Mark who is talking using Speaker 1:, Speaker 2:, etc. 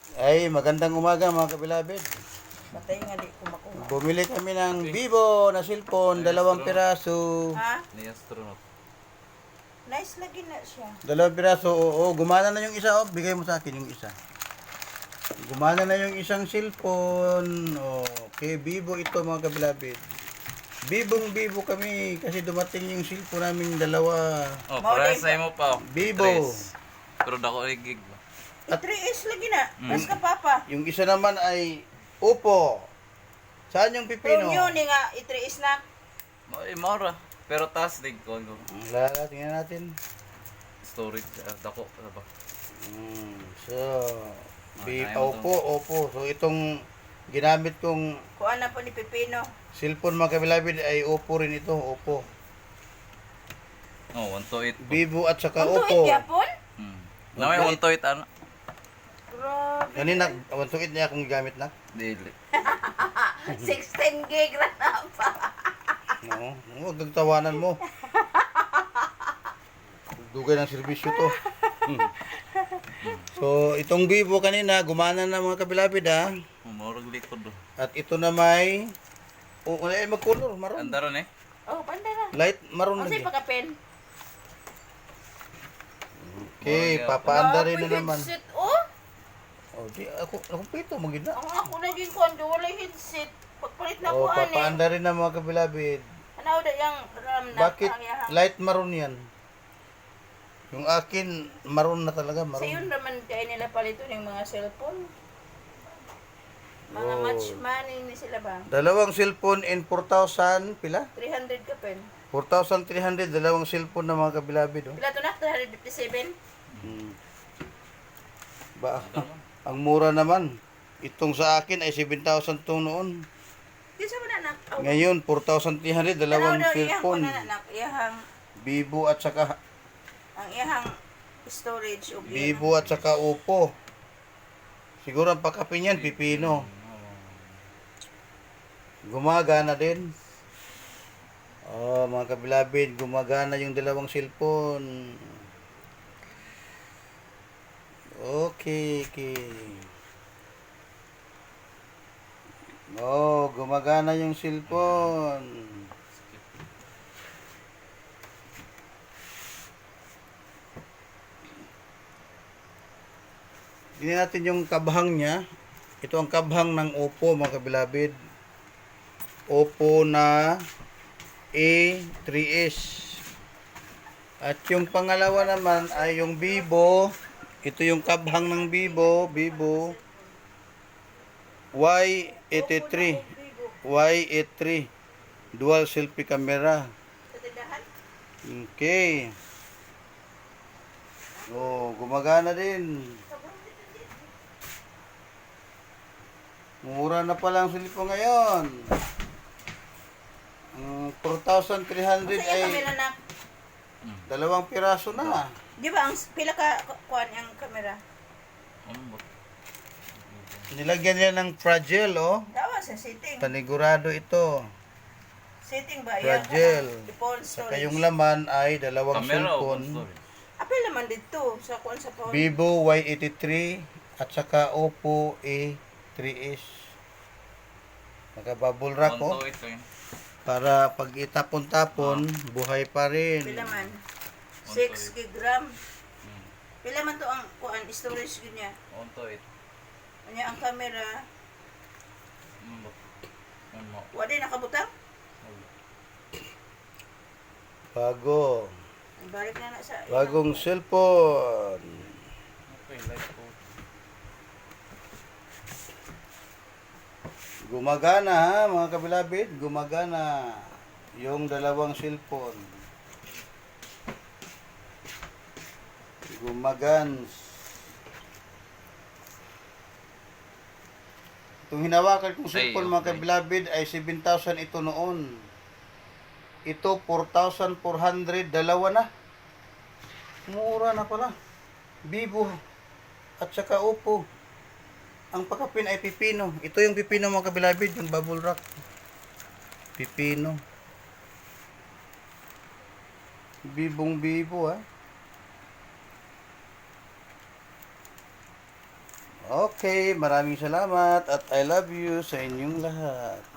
Speaker 1: Ay, magandang umaga mga kabilabid.
Speaker 2: Patay nga di ko makuha.
Speaker 1: Bumili kami ng Vivo na cellphone, dalawang piraso.
Speaker 2: Ha?
Speaker 3: Ni astronaut.
Speaker 2: Nice lagi na siya.
Speaker 1: Dalawang piraso, oo, gumana na yung isa. Oh, bigay mo sa akin yung isa. Gumana na yung isang cellphone. Okay, Vivo ito mga kabilabid. Vivo kami kasi dumating yung cellphone namin dalawa.
Speaker 3: Oh,
Speaker 2: Mao
Speaker 3: para
Speaker 2: din
Speaker 3: sa imo pa.
Speaker 1: Vivo.
Speaker 3: Tres. Pero dako ay gig ba?
Speaker 2: 3S lagi na. Mas ka papa.
Speaker 1: Yung isa naman ay Oppo. Saan yung
Speaker 2: Pero
Speaker 1: pipino?
Speaker 2: yun nga, 3S na.
Speaker 3: Mo maura. Pero taas dig ko ano.
Speaker 1: Wala, tingnan natin.
Speaker 3: Storage dako ba?
Speaker 1: So,
Speaker 3: ayaw mo
Speaker 1: Oppo. So, itong ginamit kong
Speaker 2: Kuha na po ni Pipino.
Speaker 1: cellphone mga kabilabid ay Oppo rin ito. Oppo.
Speaker 3: Oh, 128.
Speaker 1: Vivo at saka
Speaker 2: Ang tuwid
Speaker 1: Oppo.
Speaker 2: yapon?
Speaker 3: Namay 128 ano?
Speaker 2: Grabe.
Speaker 1: Kanina, awantukit niya akong gamit na.
Speaker 3: Dili.
Speaker 2: 16 gig na na pa.
Speaker 1: No, huwag nagtawanan mo. Dugay ng serbisyo to. So, itong Vivo kanina, gumana na mga kabilabid ha.
Speaker 3: Maurag likod do.
Speaker 1: At ito na may mag-color, maroon.
Speaker 3: Andaron eh.
Speaker 2: Oh, panda na.
Speaker 1: Light maroon
Speaker 2: Kasi
Speaker 1: lagi.
Speaker 2: pagka-pen.
Speaker 1: Okay, papaanda rin na naman.
Speaker 2: Headset, oh.
Speaker 1: Oh, di ako pito magina.
Speaker 2: Ang ako naging kondo, wala headset. Pagpalit na
Speaker 1: Oh,
Speaker 2: ko ani.
Speaker 1: papaanda rin na mga kabilabid.
Speaker 2: Ano da yung RAM na
Speaker 1: Bakit light maroon yan? Yung akin, maroon na talaga,
Speaker 2: Sa yun
Speaker 1: maroon.
Speaker 2: naman kaya nila palito ng mga cellphone. Mga
Speaker 1: Oh.
Speaker 2: match money ni sila ba?
Speaker 1: Dalawang cellphone in 4,000, pila?
Speaker 2: 300 ka pen.
Speaker 1: 4,300, dalawang cellphone na mga kabilabid. Oh.
Speaker 2: Pila to na? 357?
Speaker 1: Ba, ang mura naman. Itong sa akin ay 7,000 to noon.
Speaker 2: Di sa mo na anak. Oh,
Speaker 1: Ngayon, 4,300, dalawang
Speaker 2: iyahang ko
Speaker 1: cellphone.
Speaker 2: na anak. Iyahang,
Speaker 1: Vivo at saka
Speaker 2: ang iyahang storage o
Speaker 1: Vivo at saka Oppo. Siguro ang pakapin yan, pipino. Gumagana din. Oh, mga kabilabid, gumagana yung dalawang cellphone. Okay. Oh, gumagana yung cellphone. Tingnan natin yung kabhang niya. Ito ang kabhang ng Oppo mga kabilabid. Oppo na A3s. At yung pangalawa naman ay yung Vivo. Ito yung kabhang ng Vivo. Vivo Y83. Y83. Dual selfie camera.
Speaker 2: Sa tindahan?
Speaker 1: Okay. Oh, gumagana din. Mura na pala ang cellphone ngayon. 4,300
Speaker 2: Sa iya
Speaker 1: ay
Speaker 2: kamera na.
Speaker 1: dalawang piraso na.
Speaker 2: Di ba ang pila ka kuan ang kamera?
Speaker 3: Ano ba?
Speaker 1: Nilagyan niya ng fragile, oh.
Speaker 2: Dawa sa setting.
Speaker 1: Panigurado ito.
Speaker 2: Setting ba?
Speaker 1: Fragile.
Speaker 2: Phone
Speaker 1: Saka
Speaker 2: storage.
Speaker 1: yung laman ay dalawang
Speaker 3: Camera o
Speaker 1: cellphone.
Speaker 3: storage?
Speaker 2: Apil naman dito sa kuan sa phone.
Speaker 1: Vivo Y83 at saka Oppo A3s. Naka-bubble wrap, oh.
Speaker 3: 128 ko yun.
Speaker 1: Para pag itapon-tapon, buhay pa rin.
Speaker 2: Pila man? 6 gig RAM. Pila man to ang kuan storage gid niya.
Speaker 3: 128.
Speaker 2: Anya ang camera,
Speaker 3: Ano ba? Ano mo?
Speaker 2: wa din nakabutang.
Speaker 1: Bago.
Speaker 2: Balik na sa
Speaker 1: Bagong cellphone.
Speaker 3: Okay, light ko.
Speaker 1: Gumagana ha, mga kabilabid. Gumagana yung dalawang cellphone. Gumagans. Itong hinawakan kong cellphone, mga
Speaker 3: okay.
Speaker 1: kabilabid, ay 7,000 ito noon. Ito, 4,400. Dalawa na. Mura na pala. Vivo at saka Oppo. Ang pakapin ay pipino. Ito yung pipino mga kabilabid, yung bubble wrap. Pipino. Bibong bibo ha. Okay, maraming salamat at I love you sa inyong lahat.